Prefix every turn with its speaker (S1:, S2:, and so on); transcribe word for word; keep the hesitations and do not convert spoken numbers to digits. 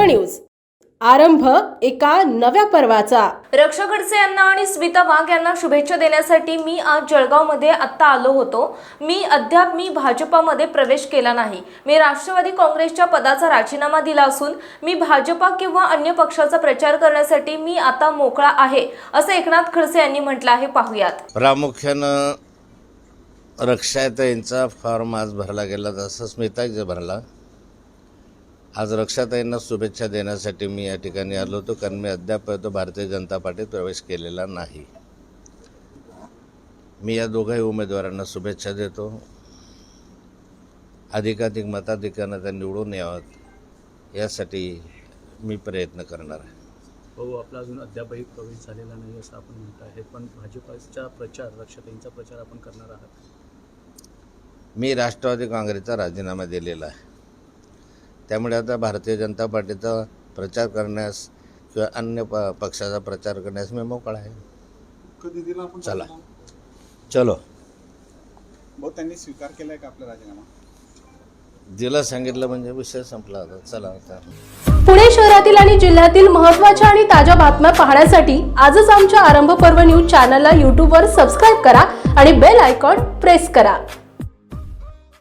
S1: News, आरंभ एका नव्या पर्वाचा।
S2: रक्षा खडसे यांना आणि स्मिता वाघ यांना शुभेच्छा देण्यासाठी मी आज जळगावमध्ये आत्ता आलो होतो। मी अद्याप मी भाजपामध्ये प्रवेश केला नाही। मी राष्ट्रवादी काँग्रेसच्या पदाचा राजीनामा दिला असून मी भाजपा किंवा अन्य पक्षाचा प्रचार करण्यासाठी मी आता मोकळा आहे, असे एकनाथ खडसे यांनी म्हटलं आहे। पाहूयात।
S3: प्रामुख्यानं रक्षाताईंचा फॉर्म आज भरला गेला, जसं स्मिताजी भरला। आज रक्षाताईंना शुभेच्छा देण्यासाठी मी या ठिकाणी आलो होतो, कारण मी अद्याप तो भारतीय जनता पार्टीत प्रवेश केलेला नाही। मी या दोघाही उमेदवारांना शुभेच्छा देतो। अधिकाधिक मताधिक्यानं त्या निवडून यावं यासाठी मी प्रयत्न करणार आहे।
S4: हो, आपला अजून अद्यापही प्रवेश झालेला नाही असं आपण म्हणत आहे, पण भाजपचा प्रचार, रक्षाताईंचा प्रचार आपण करणार आहात?
S3: मी राष्ट्रवादी काँग्रेसचा राजीनामा दिलेला आहे, त्यामुळे आता भारतीय जनता पार्टीचा प्रचार करण्यास किंवा अन्य प पक्षाचा प्रचार करण्यास मी मोकळा आहे।
S5: कधी दिला आपण?
S3: चला चलो
S5: भाऊ, त्यांनी स्वीकार केलाय का आपला राजीनामा?
S3: दिला सांगितलं म्हणजे विषय संपला आता। चला आता
S1: पुणे शहरातील आणि जिल्ह्यातील महत्त्वाच्या आणि ताज्या बातम्या पाहण्यासाठी आजच आमच्या आरंभ पर्व न्यूज चॅनलला यूट्यूबवर सबस्क्राईब करा आणि बेल आयकॉन प्रेस करा।